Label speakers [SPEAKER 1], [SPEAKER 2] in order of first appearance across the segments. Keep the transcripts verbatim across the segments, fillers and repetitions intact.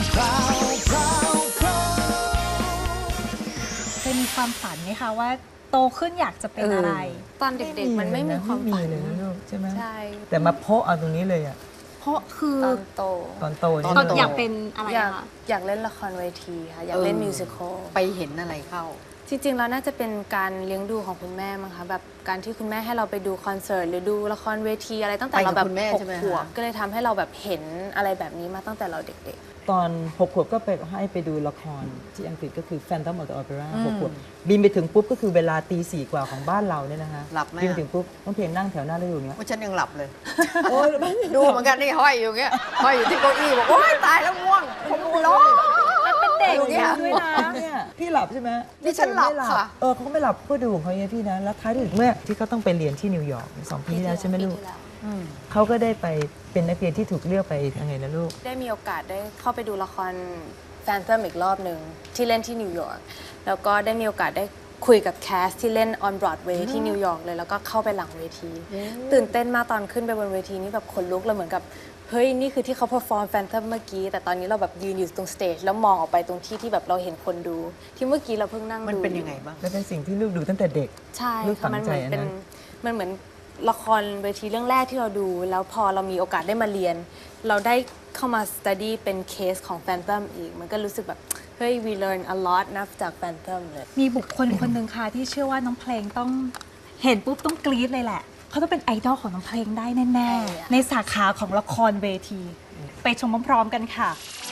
[SPEAKER 1] เคยมีความฝันไหมคะว่าโตขึ้นอยากจะเป็นอะไร
[SPEAKER 2] ตอนเด็กๆมันไม่มีความฝัน
[SPEAKER 3] เลยนะลูกใช่ไหม
[SPEAKER 2] ใช่
[SPEAKER 3] แต่มาโพะเอาตรงนี้เลยอะ
[SPEAKER 1] เพราะคือ
[SPEAKER 2] ตอนโต
[SPEAKER 3] ตอนโต
[SPEAKER 1] ตอนอยากเป็นอะไร
[SPEAKER 2] อยาก
[SPEAKER 1] คะ
[SPEAKER 2] อยากเล่นละครเวทีค่ะอยากเล่นมิวสิควล
[SPEAKER 4] ไปเห็นอะไรเข้า
[SPEAKER 2] จริงๆแล้วน่าจะเป็นการเลี้ยงดูของคุณแม่มั้งคะแบบการที่คุณแม่ให้เราไปดูคอนเสิร์ตหรือดูละครเวทีอะไรตั้งแต่
[SPEAKER 4] ไปกับ
[SPEAKER 2] เราแบบ
[SPEAKER 4] คุณแม่
[SPEAKER 2] ห
[SPEAKER 4] ใช่
[SPEAKER 2] ก
[SPEAKER 4] ไหมคะ
[SPEAKER 2] ขวบก็เลยทำให้เราแบบเห็นอะไรแบบนี้มาตั้งแต่เราเด็ก
[SPEAKER 3] ตอนหกขวบก็ไปให้ไปดูละครที่อังกฤษก็คือ Phantom of the Opera หกขวบบินไปถึงปุ๊บก็คือเวลาตีสี่กว่าของบ้านเราเนี่ยนะคะ
[SPEAKER 4] หลับไหม
[SPEAKER 3] บินไปถึงปุ๊บต้องเพลงนั่งแถวหน้าแล้วอยู่อย่างเงี้ย
[SPEAKER 4] ว่าฉันยังหลับเลย
[SPEAKER 3] โอ้ย
[SPEAKER 4] ดูเหมือนกันนี่ห้อยอยู่เงี้ยห้อยอยู่ที่เก้าอี้บอกโอ๊ยตายแล้วง่วงผมร้อง
[SPEAKER 1] เป็นเด็ก
[SPEAKER 4] อยู่เนี่ย
[SPEAKER 1] ด้วยนะ
[SPEAKER 3] เนี่ยพี่หลับใช่ไหม
[SPEAKER 4] นี่ฉันหลับ
[SPEAKER 3] ไม่
[SPEAKER 4] ค่ะ
[SPEAKER 3] เออเขาก็ไม่หลับก็ดูของเขาอย่างพี่นะแล้วท้ายที่สุดเมื่อที่เขาต้องไปเรียนที่นิวยอร์กสอง
[SPEAKER 2] ๆ
[SPEAKER 3] ปีที่แล้วใช่ไหมลูก
[SPEAKER 2] ปีที่แล้ว
[SPEAKER 3] เขาก็ได้ไปเป็นนักเรียนที่ถูกเลือกไปยังไงนะลูก
[SPEAKER 2] ได้มีโอกาสได้เข้าไปดูละครแฟนเตอร์อีกรอบหนึ่งที่เล่นที่นิวยอร์กแล้วก็ได้มีโอกาสได้คุยกับแคสที่เล่น on Broadway ที่นิวยอร์กเลยแล้วก็เข้าไปหลังเวที ตื่นเต้นมากตอนขึ้นไปบนเวทีนี่แบบขนลุกเลยเหมือนกับเฮ้ยนี่คือที่เขา perform Phantom เมื่อกี้แต่ตอนนี้เราแบบยืนอยู่ตรงสเตจแล้วมองออกไปตรงที่ที่แบบเราเห็นคนดู ที่เมื่อกี้เราเพิ่งนั่งดู
[SPEAKER 4] มันเป็นยังไงบ้าง
[SPEAKER 3] และเป็นสิ่งที่ลูกดูตั้งแต่เด็ก
[SPEAKER 2] ใช่
[SPEAKER 3] ลูกฝั
[SPEAKER 2] ค่ะ
[SPEAKER 3] ง
[SPEAKER 2] มันเห
[SPEAKER 3] ใจ
[SPEAKER 2] มือน
[SPEAKER 3] อัน
[SPEAKER 2] เป็น
[SPEAKER 3] นั้น
[SPEAKER 2] มันเหมือนละครเวทีเรื่องแรกที่เราดู แล้วพอเรามีโอกาสได้มาเรียน เราได้เข้ามา study เป็นเคสของ Phantom อีก มันก็รู้สึกแบบเฮ้ย we learn a lot นะจาก Phantom เลย
[SPEAKER 1] มีบุคคลคนหนึ่งค่ะที่เชื่อว่าน้องเพลงต้องเห็นปุ๊บต้องกรี๊ดเลยแหละเขาต้องเป็นไอดอลของน้องเพลงได้แน่
[SPEAKER 2] ใช่อะ
[SPEAKER 1] ๆในสาขาของละครเวที ไปชมพร้อมๆกันค่ะ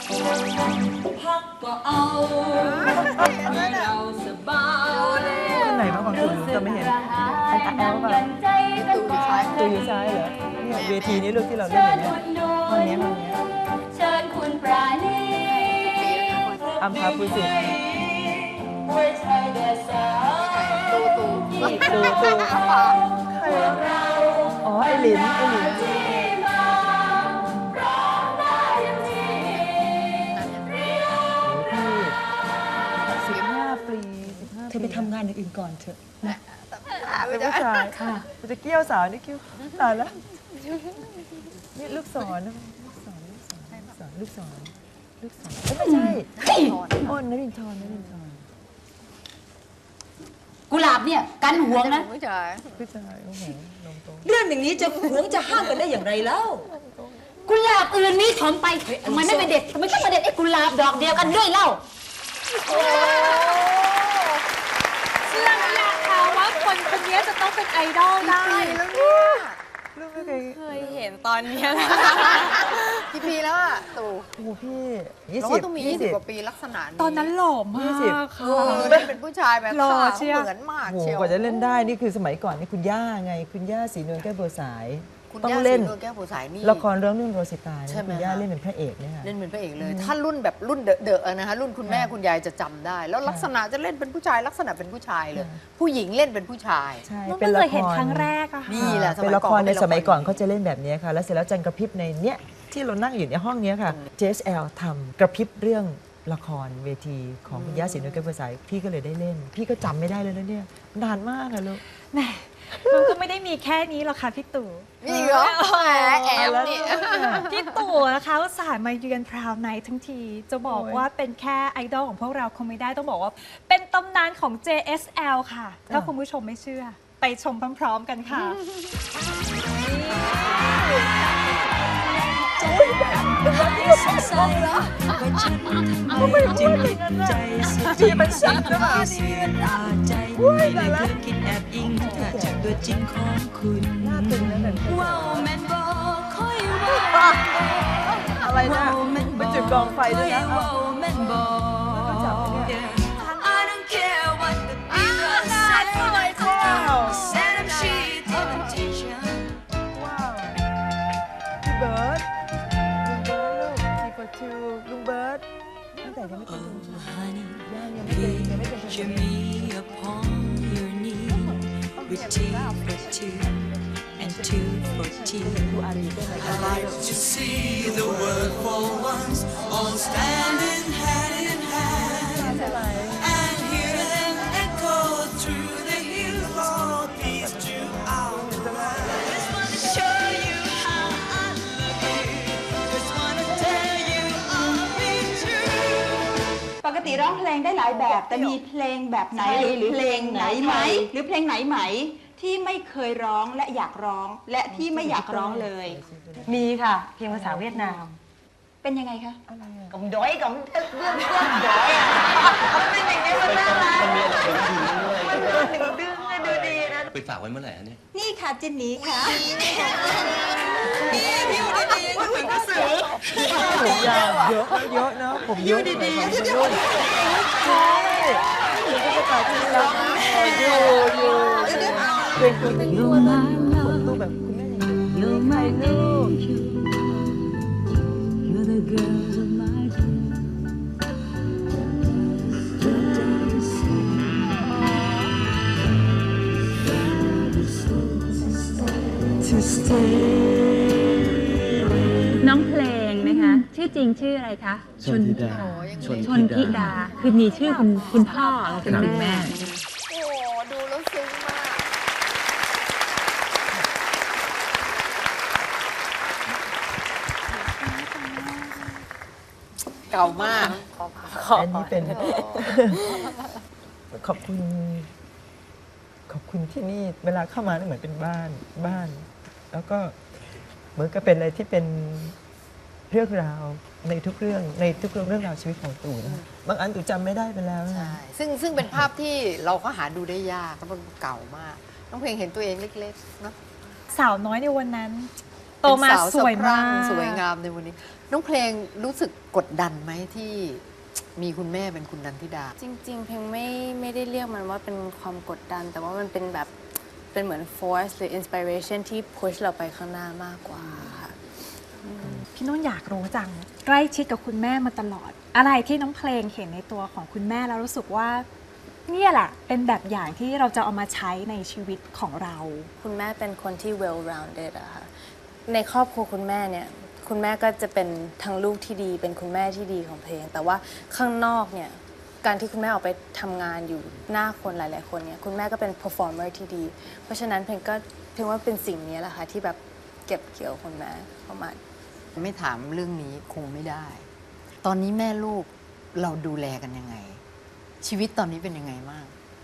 [SPEAKER 3] คนไหนบ้างบางคนจะไม่เห็นอันแอลป่ะ
[SPEAKER 4] ตูอยู่ซ้าย
[SPEAKER 3] ตัวอยู่ซ้ายเหรอเนี่ยเวทีนี้ลูกที่เราเล่นอย่างเนี้ยห้องเนี้ยห้องเนี้ย
[SPEAKER 5] เชิญคุณปราณี
[SPEAKER 3] อัมพาภูสิทธิ์
[SPEAKER 5] หัวใจเดือดสาว
[SPEAKER 4] ตูตู
[SPEAKER 3] ตูตูอ๋อไอหลินไอหลิน
[SPEAKER 5] ที่มาร้องได้ยังที
[SPEAKER 3] สิบห้าปีสิบห้า
[SPEAKER 1] เธอไปทำงานอย่างอื่นก่อนเถอะนะ
[SPEAKER 3] เป็นผู้ชายค่ะจะเกี้ยวสาวนี่เกี้ยวตายแล้วนี่ลูกศรนะลูกศรลูกศรลูกศรลูกศรลูกศรไม่ใช่อ้นนรินทร์นรินทร์
[SPEAKER 6] กุหลาบเนี่ยกันหวงนะ
[SPEAKER 4] ผู้ชาย
[SPEAKER 3] ผู้ชายโอ้โหนมโต
[SPEAKER 6] เรื่องอย่างนี้จะหวงจะห้ามกันได้อย่างไรเล่ากุหลาบอื่นนี่ถอนไปทำไมไม่ไปเด็ดทำไมต้องมาเด็ดไอ้กุหลาบดอกเดียวกันด้วยเล่า
[SPEAKER 1] เชื่อหรือยังคะว่าคนคนนี้จะต้องเป็นไอดอลได้
[SPEAKER 4] แล้วเนี่ย
[SPEAKER 3] ลูกไม่เคย
[SPEAKER 2] เคยเห็นตอนเนี้ย
[SPEAKER 4] กี่ปีแล้วอะตู
[SPEAKER 3] โอ้โหพี่ยี่
[SPEAKER 4] เรา
[SPEAKER 3] สิบ
[SPEAKER 4] ก็ต้องมียี่สิบกว่าปีลักษณะนี้
[SPEAKER 1] ตอนนั้นหล่อมา
[SPEAKER 3] ยี่สิบ
[SPEAKER 1] กค่ะ
[SPEAKER 4] เออเล่นเป็นผู้ชายแบบ
[SPEAKER 1] หล่อ
[SPEAKER 4] ขา
[SPEAKER 1] เชียว
[SPEAKER 4] เหมือนมาก
[SPEAKER 3] โอ้โห
[SPEAKER 4] เชียว
[SPEAKER 3] กว่าจะเล่นได้นี่คือสมัยก่อนนี่คุณย่าไง คุณย่าสีนวลแก้วบัวสาย
[SPEAKER 4] คุณ
[SPEAKER 3] ต้อง
[SPEAKER 4] ย่า
[SPEAKER 3] เล่น
[SPEAKER 4] สีนวลแก้วผู้สายนี่
[SPEAKER 3] ละครเรื่องเรื่องโรสิตาเนี่ย
[SPEAKER 4] ใช่ไหม
[SPEAKER 3] คุณย่า
[SPEAKER 4] คะ
[SPEAKER 3] เล่นเป็นพระเอกเนี่ยค่ะ
[SPEAKER 4] เล่นเป็นพระเอกเลย ถ้ารุ่นแบบรุ่นเดอะๆนะคะรุ่นคุณแม่คุณยายจะจำได้ แล้วลักษณะจะเล่นเป็นผู้ชายลักษณะเป็นผู้ชายเลย ผู้หญิงเล่นเป็นผู้ชาย
[SPEAKER 3] ใช่
[SPEAKER 1] น้อง
[SPEAKER 3] เป็น
[SPEAKER 1] เพิ่ง
[SPEAKER 3] ละ
[SPEAKER 1] เคย
[SPEAKER 3] ค
[SPEAKER 1] เห็น
[SPEAKER 3] ร
[SPEAKER 1] ครั้งแรกอะค่ะ
[SPEAKER 4] นี่แหละ
[SPEAKER 3] เป็นละครใน
[SPEAKER 4] เป็นละคร
[SPEAKER 3] สมัยก่อนเขาจะเล่นแบบนี้ค่ะ แล้วเสร็จแล้วจันกระพริบในเนี้ยที่เรานั่งอยู่ในห้องเนี้ยค่ะ เจ เอส แอล ทำกระพริบเรื่องละครเวทีของคุณย่าสีนวลแก้วบัวสายพี่ก็เลยได้เล่น พี่ก็จำไม่ได้เลยนะเนี่ยนานมากอะลูก
[SPEAKER 1] แหมมันก็ไม่ได้มีแค่นี้หรอกค่ะพี่ตู่
[SPEAKER 4] นี่เหรอแหมแอบนี่
[SPEAKER 1] พี่ตู่นะคะอุตส่าห์มาเยือนพราวไนท์ทั้งที จะบอก
[SPEAKER 3] โอ้ย
[SPEAKER 1] ว่าเป็นแค่ไอดอลของพวกเราคงไม่ได้ต้องบอกว่า เป็นตำนานของ เจ เอส แอล ค่ะ ถ้าคุณผู้ชมไม่เชื่อ ไปชมพร้อมๆกันค่ะ
[SPEAKER 3] จีมันชัดหรือเปล่า
[SPEAKER 7] อุ้ยแต่ละคิดแอบอิงถ้าจากตัวจริงของคุณ
[SPEAKER 3] หน้าตึงนั่นแหละ
[SPEAKER 7] ว้าวแมนบอกค่อยว่า
[SPEAKER 3] อะไรนะมันจุดกองไฟด้วยนะ
[SPEAKER 7] ว้าวแมนบอก I don't care what the people say Said I'm shit even teacher
[SPEAKER 3] ว้าวพี่เบิร์ดลุงเบิร์ดลูกทีฟอร์ทูลุงเบิร์ดตั้งแต่ยังไม่เป็นลุง
[SPEAKER 7] Honey
[SPEAKER 3] ย่างยังไม่เป็นยังไม่เป็น
[SPEAKER 7] picture me upon your knee With T for two and two for two
[SPEAKER 3] ดูอารีด้วยนะ
[SPEAKER 8] I like to see the world for once all standing hand in hand and hear them echo through the hills all peace to our land.
[SPEAKER 7] Just wanna show you how I love you Just wanna tell you I'll be true
[SPEAKER 6] ปกติร้องเพลงได้หลายแบบ แต่มีเพลงแบบไหนหรือเพลงไหนไหม หรือเพลงไหนไหมที่ไม่เคยร้องและอยากร้องและที่ไม่อยากร้องเลย
[SPEAKER 9] มีค่ะเพลงภาษาเวียดนาม
[SPEAKER 6] เป็นยังไงคะ
[SPEAKER 9] กำด้อยกำเรื่องเรื่องด้อยอ่ะมันเป็นอย่างนี้มันน่ารัก
[SPEAKER 10] มันมีอะไรดึงดึงด้วย
[SPEAKER 9] มันดึงดึงเลยดูดีนะ
[SPEAKER 10] ไปฝากไว้เมื่อไหร่ฮะเนี่ย
[SPEAKER 6] นี่ค่ะจินนี่ค่ะ
[SPEAKER 3] ผมยาวเยอะเยอะนะผมเยอะดีดีๆรุ่นใช่ผมก็จะกล่าวที่รักอยู่อยู่เป็นคนเป็นลูกผมดูแบบคุณแม่ยังเด็ก
[SPEAKER 5] You're my love, you're the girl of my dreams. To stay.
[SPEAKER 11] น้องเพลงนะคะ ชื่อจริงชื่ออะไรคะ
[SPEAKER 10] ชนธิดา
[SPEAKER 11] ชนธิดา คือมีชื่อคุณคุณพ่อและคุณแม่
[SPEAKER 4] โอ้โหดูแล้วซึ้งมาก เก่ามาก
[SPEAKER 3] อันนี้เป็น ขอบคุณ ขอบคุณที่นี่เวลาเข้ามานี่เหมือนเป็นบ้านบ้าน แล้วก็เหมือนกับเป็นอะไรที่เป็นเรื่องราวในทุกเรื่องในทุกเรื่องเรื่องราวชีวิตของตู่นะบางอันตู่จำไม่ได้ไปแล้วนะ
[SPEAKER 4] ใช่ ซึ่งซึ่งเป็นภาพที่เราก็หาดูได้ยากแล้วมันเก่ามาก น้องเพลงเห็นตัวเองเล็กๆเนอะ
[SPEAKER 1] สาวน้อยในวันนั้น โตมา
[SPEAKER 4] เป็น
[SPEAKER 1] สวย
[SPEAKER 4] สะพรั่
[SPEAKER 1] มาง ก
[SPEAKER 4] สวยงามในวันนี้ น้องเพลงรู้สึกกดดันไหมที่มีคุณแม่เป็นคุณนันทิดา
[SPEAKER 2] จริง ๆ เพลงไม่ไม่ได้เรียกมันว่าเป็นความกดดัน แต่ว่ามันเป็นแบบเป็นเหมือน force หรือ inspiration ที่ push เราไปข้างหน้ามากกว่าค่ะ
[SPEAKER 1] พี่นุ่นอยากรู้จัง ใกล้ชิดกับคุณแม่มาตลอด อะไรที่น้องเพลงเห็นในตัวของคุณแม่แล้วรู้สึกว่าเนี่ยแหละเป็นแบบอย่างที่เราจะเอามาใช้ในชีวิตของเรา
[SPEAKER 2] คุณแม่เป็นคนที่ well rounded อะค่ะในครอบครัวคุณแม่เนี่ยคุณแม่ก็จะเป็นทั้งลูกที่ดี เป็นคุณแม่ที่ดีของเพลง แต่ว่าข้างนอกเนี่ยการที่คุณแม่ออกไปทำงานอยู่หน้าคนหลายๆคนเนี่ยคุณแม่ก็เป็น performer ที่ดี เพราะฉะนั้นเพลงก็เพลงว่าเป็นสิ่งนี้แหละค่ะที่แบบเก็บเกี่ยวคุณแม่เข้ามา
[SPEAKER 4] ไม่ถามเรื่องนี้คงไม่ได้ ตอนนี้แม่ลูกเราดูแลกันยังไง ชีวิตตอนนี้เป็นยังไงบ้าง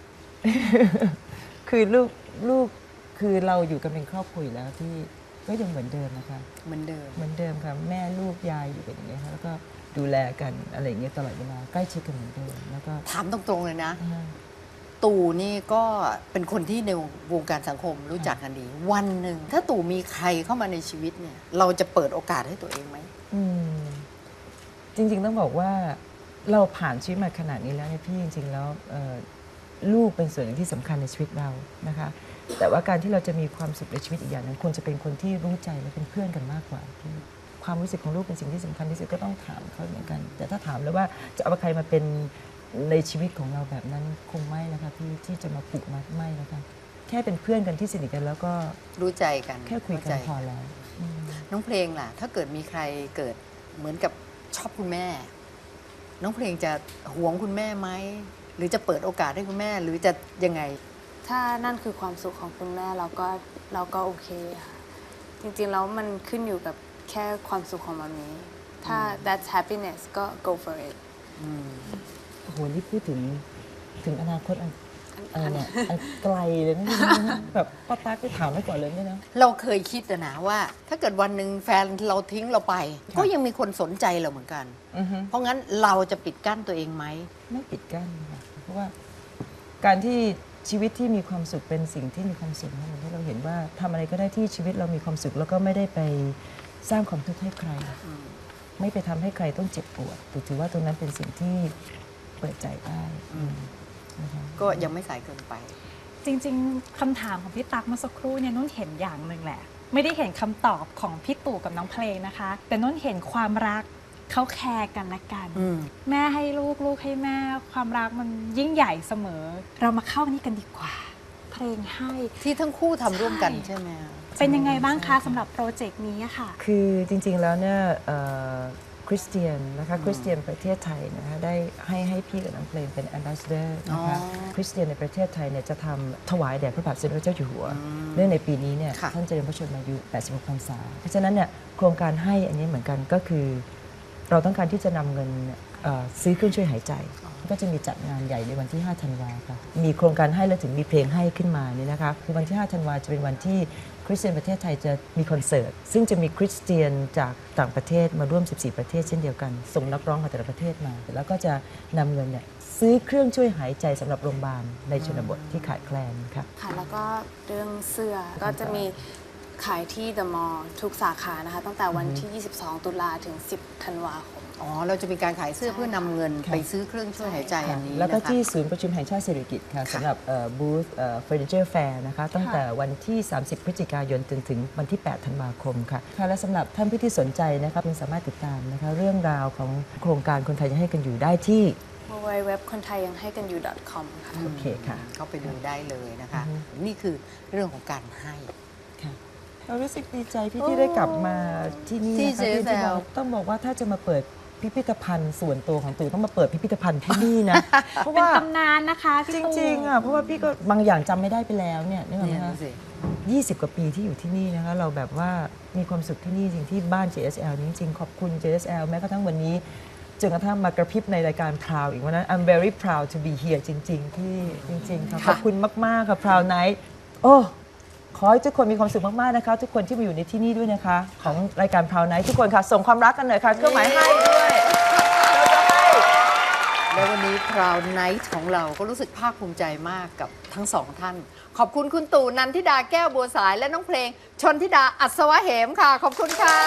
[SPEAKER 3] คือลูกลูกคือเราอยู่กันเป็นครอบครัวอยู่แล้วที่ก็ยังเหมือนเดิมนะคะ
[SPEAKER 4] เหมือนเดิม
[SPEAKER 3] เหมือนเดิมค่ะแม่ลูกยายอยู่กันอย่างเงี้ยค่ะแล้วก็ดูแลกันอะไรอย่างเงี้ยตลอดเวลาใกล้ชิดกันเหมือนเดิมแล้วก็
[SPEAKER 4] ถามตรงๆเลยนะ
[SPEAKER 3] อ่า
[SPEAKER 4] ตู่นี่ก็เป็นคนที่ในวงการสังคมรู้จักกันดี วันหนึ่งถ้าตู่มีใครเข้ามาในชีวิตเนี่ย เราจะเปิดโอกาสให้ตัวเองไหม
[SPEAKER 3] อืมจริงๆต้องบอกว่าเราผ่านชีวิตมาขนาดนี้แล้วเนี่ยพี่จริงๆแล้วเอ่อลูกเป็นส่วนหนึ่งที่สำคัญในชีวิตเรานะคะ แต่ว่าการที่เราจะมีความสุขในชีวิตอีกอย่างหนึงควรจะเป็นคนที่รู้ใจและเป็นเพื่อนกันมากกว่าพี่ความรู้สึกของลูกเป็นสิ่งที่สำคัญที่สุดก็ต้องถามเขาเหมือนกัน แต่ถ้าถามแล้วว่าจะเอาใครมาเป็นในชีวิตของเราแบบนั้นคงไม่นะคะพี่ที่จะมาผูกมัดไม่นะคะแค่เป็นเพื่อนกันที่สนิทกันแล้วก็
[SPEAKER 4] รู้ใจกัน
[SPEAKER 3] แค่คุยกัน
[SPEAKER 4] เข้าใจ
[SPEAKER 3] พอแล้วอืม
[SPEAKER 4] น้องเพลงล่ะ ถ้าเกิดมีใครเกิดเหมือนกับชอบคุณแม่ น้องเพลงจะหวงคุณแม่ไหมหรือจะเปิดโอกาสให้คุณแม่ หรือจะยังไง
[SPEAKER 2] ถ้านั่นคือความสุขของคุณแม่เราก็เราก็โอเคค่ะ จริงๆแล้วมันขึ้นอยู่กับแค่ความสุขของมามีถ้า that's happiness ก็ go for it
[SPEAKER 3] โอ้โหนี่พูดถึงถึงอนาคตอันอะไรเนี่ยอันไกลเลยนะ แบบป้าตั๊กไปถามไว้ก่อนเลยเนี่ยนะ
[SPEAKER 4] เราเคยคิดอะนะว่า ถ้าเกิดวันหนึ่งแฟนเราทิ้งเราไป ก็ยังมีคนสนใจเราเหมือนกัน
[SPEAKER 3] อือฮึ
[SPEAKER 4] เพราะงั้นเราจะปิดกั้นตัวเองไหม
[SPEAKER 3] ไม่ปิดกั้นค่ะเพราะว่าการที่ชีวิตที่มีความสุขเป็นสิ่งที่มีความสุขนะมันให้เราเห็นว่าทำอะไรก็ได้ที่ชีวิตเรามีความสุขแล้วก็ไม่ได้ไปสร้างความทุกข์ให้ใคร ไม่ไปทำให้ใครต้องเจ็บปวดแต่ถือว่าตรงนั้นเป็นสิ่งที่เปิดใจได้นะคะ
[SPEAKER 4] ก็ยังไม่สายเกินไป
[SPEAKER 1] จริงๆคำถามของพี่ตั๊กเมื่อสักครู่เนี่ยนุ่นเห็นอย่างหนึ่งแหละ ไม่ได้เห็นคำตอบของพี่ตู่กับน้องเพลงนะคะ แต่นุ่นเห็นความรักเขาแคร์กันและกัน
[SPEAKER 4] อืม
[SPEAKER 1] แม่ให้ลูกลูกให้แม่ความรักมันยิ่งใหญ่เสมอ เรามาเข้านี่กันดีกว่า เพลงให้
[SPEAKER 4] ที่ทั้งคู่ทำร่วมกัน
[SPEAKER 1] ใช่
[SPEAKER 4] ใช่ไหม
[SPEAKER 1] เป็นยังไงบ้างคะสำหรับโปรเจกต์นี้อะค่ะ
[SPEAKER 3] คือจริงๆแล้วเนี่ยคริสเตียนนะคะคริสเตียนประเทศไทยนะคะได้ให้ให้พี่กับน้องเพลงเป็น ambassador นะคะคริสเตียนในประเทศไทยเนี่ยจะทำถวายแด่พระบาทสมเด็จพระเจ้าอยู่หัวเนื่องในปีนี้เนี่ยท่านเจริญพระชนมายุแปดสิบหกพรรษาเพราะฉะนั้นเนี่ยโครงการให้อันนี้เหมือนกันก็คือเราต้องการที่จะนำเงินเอ่อซื้อเครื่องช่วยหายใจ ก็จะมีจัดงานใหญ่ในวันที่ห้าธันวาค่ะมีโครงการให้แล้วถึงมีเพลงให้ขึ้นมาเนี่ยนะคะคือวันที่ห้าธันวาจะเป็นวันที่คริสเตียนประเทศไทยจะมีคอนเสิร์ตซึ่งจะมีคริสเตียนจากต่างประเทศมาร่วมสิบสี่ประเทศเช่นเดียวกันส่งนักร้องจากแต่ละประเทศมาแล้วก็จะนำเงินเนี่ยซื้อเครื่องช่วยหายใจสำหรับโรงพยาบาลในชนบทที่ขาดแคลนค่ะ
[SPEAKER 2] ค่ะแล้วก็เรื่องเสื้อก็จะมีขายที่ The Mall ทุกสาขานะคะตั้งแต่วันที่ ยี่สิบสอง ตุลาถึง สิบ ธันวาคม
[SPEAKER 4] อ๋อ เราจะมีการขายเสื้อเพื่อนำเงินไปซื้อเครื่องช่วยหายใจอันนี้
[SPEAKER 3] แล้วก็
[SPEAKER 4] นะคะ
[SPEAKER 3] ที่ศูนย์ประชุมแห่งชาติสิริกิติ์ค่ะสำหรับบูธเฟอร์นิเจอร์แฟร์นะคะตั้งแต่วันที่ สามสิบ พฤศจิกายนจนถึงวันที่ แปด ธันวาคมค่ะค่ะและสำหรับท่านผู้ที่สนใจนะคะยังสามารถติดตามนะคะเรื่องราวของโครงการคนไทยยังให้กันอยู่ได้ที่
[SPEAKER 2] ดับเบิลยู ดับเบิลยู ดับเบิลยู ดอท คนไทยยังให้กันอยู่ .com ค่ะ
[SPEAKER 3] โอเคค่ะ
[SPEAKER 4] เข้าไปดูได้เลยนะคะ
[SPEAKER 3] อือฮึ
[SPEAKER 4] นี่คือเรื่องของการให้
[SPEAKER 3] เรารู้สึกดีใจพี่ที่ได้กลับมาที่นี่
[SPEAKER 4] ที่
[SPEAKER 3] นะคะ
[SPEAKER 4] เจแซล
[SPEAKER 3] ต้องบอกว่าถ้าจะมาเปิดพิพิธภัณฑ์ส่วนตัวของตู่ต้องมาเปิดพิพิธภัณฑ์ที่นี่นะ เพราะ
[SPEAKER 1] เป็น
[SPEAKER 3] ว่า
[SPEAKER 1] ตำนานนะคะพี่
[SPEAKER 3] จ
[SPEAKER 1] ตูน
[SPEAKER 3] ริงๆอ่ะเพราะว่าพี่ก็บางอย่างจำไม่ได้ไปแล้วเนี่ยนึกออกไหม
[SPEAKER 4] เนี่ย
[SPEAKER 3] คะ
[SPEAKER 4] ดูสิ
[SPEAKER 3] ยี่สิบกว่าปีที่อยู่ที่นี่นะคะเราแบบว่ามีความสุขที่นี่จริงที่บ้าน เจ เอส แอล นี้จริงๆขอบคุณ เจ เอส แอล แม้กระทั่งวันนี้จนกระทั่งมากระพริบในรายการ Proud อีกวันนั้น I'm very proud to be here จริง ๆ ที่จริงๆค่ะขอบคุณมากๆค่ะ Proud Night โอ้ขอให้ทุกคนมีความสุขมากๆนะคะทุกคนที่มาอยู่ในที่นี่ด้วยนะคะของรายการ Proud Night ทุกคนค่ะส่งความรักกันหน่อยค่ะเครื่องหมายให้ด้วย
[SPEAKER 4] และวันนี้ Proud Night ของเราก็รู้สึกภาคภูมิใจมากกับทั้งสองท่าน ขอบคุณคุณตู่นันทิดาแก้วบัวสายและน้องเพลง ชนทิดาอัศวะเหมค่ะ ขอบคุณค่ะ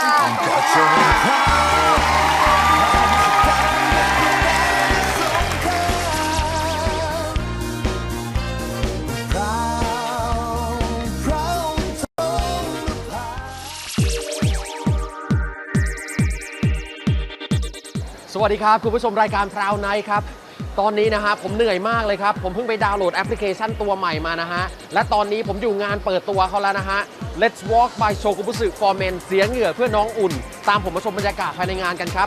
[SPEAKER 12] สวัสดีครับ คุณผู้ชมรายการพราวไนท์ครับ ตอนนี้นะฮะผมเหนื่อยมากเลยครับ ผมเพิ่งไปดาวน์โหลดแอปพลิเคชันตัวใหม่มานะฮะ และตอนนี้ผมอยู่งานเปิดตัวเขาแล้วนะฮะ Let's Walk by Shokubutsu for Men เสียเหงื่อเพื่อน้องอุ่น ตามผมมาชมบรรยากาศภายในงานกันครับ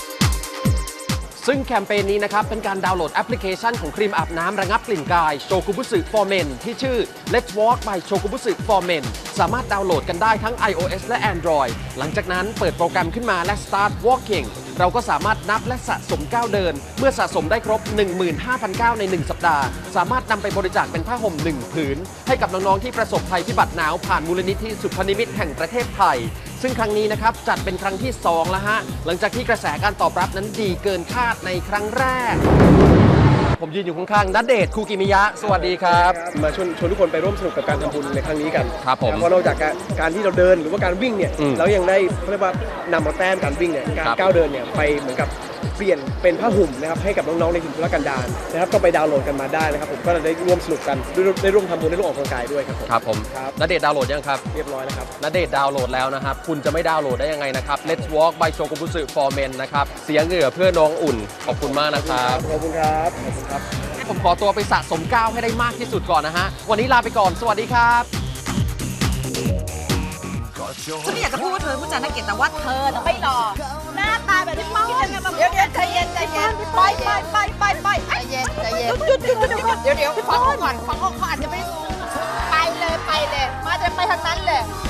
[SPEAKER 12] ซึ่งแคมเปญนี้นะครับเป็นการดาวน์โหลดแอปพลิเคชันของครีมอาบน้ำระงับกลิ่นกาย Shokubutsu for Men ที่ชื่อ Let's Walk by Shokubutsu for Men สามารถดาวน์โหลดกันได้ทั้ง iOS และ Android หลังจากนั้นเปิดโปรแกรมขึ้นมาและ Start Walking เราก็สามารถนับและสะสมก้าวเดิน เมื่อสะสมได้ครบ หนึ่งหมื่นห้าพัน ก้าวใน หนึ่ง สัปดาห์ สามารถนำไปบริจาคเป็นผ้าห่ม หนึ่ง ผืน ให้กับน้องๆที่ประสบภัยพิบัติหนาวผ่านมูลนิธิสุพนิมิตแห่งประเทศไทย ซึ่งครั้งนี้นะครับจัดเป็นครั้งที่สองแล้วฮะหลังจากที่กระแสการตอบรับนั้นดีเกินคาดในครั้งแรก ผมยืนอยู่ข้างๆณเดชน์คูกิมิยะสวัสดีครับ
[SPEAKER 13] มาชวนชวนทุกคนไปร่วมสนุกกับการทำบุญในครั้งนี้กัน
[SPEAKER 12] ครับผม
[SPEAKER 13] เพราะนอกจากการการที่เราเดินหรือว่าการวิ่งเนี่ย
[SPEAKER 12] อืม
[SPEAKER 13] เรายังได้เขาเรียกว่านำเอาแต้มการวิ่งเนี่ยการ
[SPEAKER 12] ครับ
[SPEAKER 13] ก้าวเดินเนี่ยไปเหมือนกับเปลี่ยนเป็นผ้าห่มนะครับให้กับน้องๆในถิ่นทุรกันดารนะครับก็ไปดาวน์โหลดกันมาได้นะครับผมก็ได้ร่วมสนุกกันได้ได้ร่วมทำบุญได้ร่วมออกกำลังกายด้วยครับผม
[SPEAKER 12] ครับผม
[SPEAKER 13] ครับ
[SPEAKER 12] ณเดชน์ดาวน์โหลดยังครับ
[SPEAKER 13] เรียบร้อยแล้วครับ
[SPEAKER 12] ณเดชน์ดาวน์โหลดแล้วนะครับ คุณจะไม่ดาวน์โหลดได้ยังไงนะครับ Let's Walk by Shokubutsu for Men นะครับ เสียเหงื่อเพื่อน้องอุ่น ขอบคุณมากนะครับ
[SPEAKER 13] ขอบคุณครับขอบคุณครับ
[SPEAKER 12] ผมขอตัวไปสะสมก้าวให้ได้มากที่สุดก่อนนะฮะ วันนี้ลาไปก่อน สวัสดีครับ
[SPEAKER 14] ฉันไม่อยากจะพูดว่าเธอผู้จาน่าเกลียดแต่ว่าเธอน่ะไม่หล่อหน้าตาแบบที่เมาเดี๋ยวเดี๋ยวใจเย็นใจเย็นไปไปไปไปไปใจเย็นใจเย็นหยุดหยุดหยุดหยุดเดี๋ยวเดี๋ยวฟังเขาก่อนฟังเขาเขาอาจจะไม่ไปเลยไปเลยมาจะไปทางนั้นเลย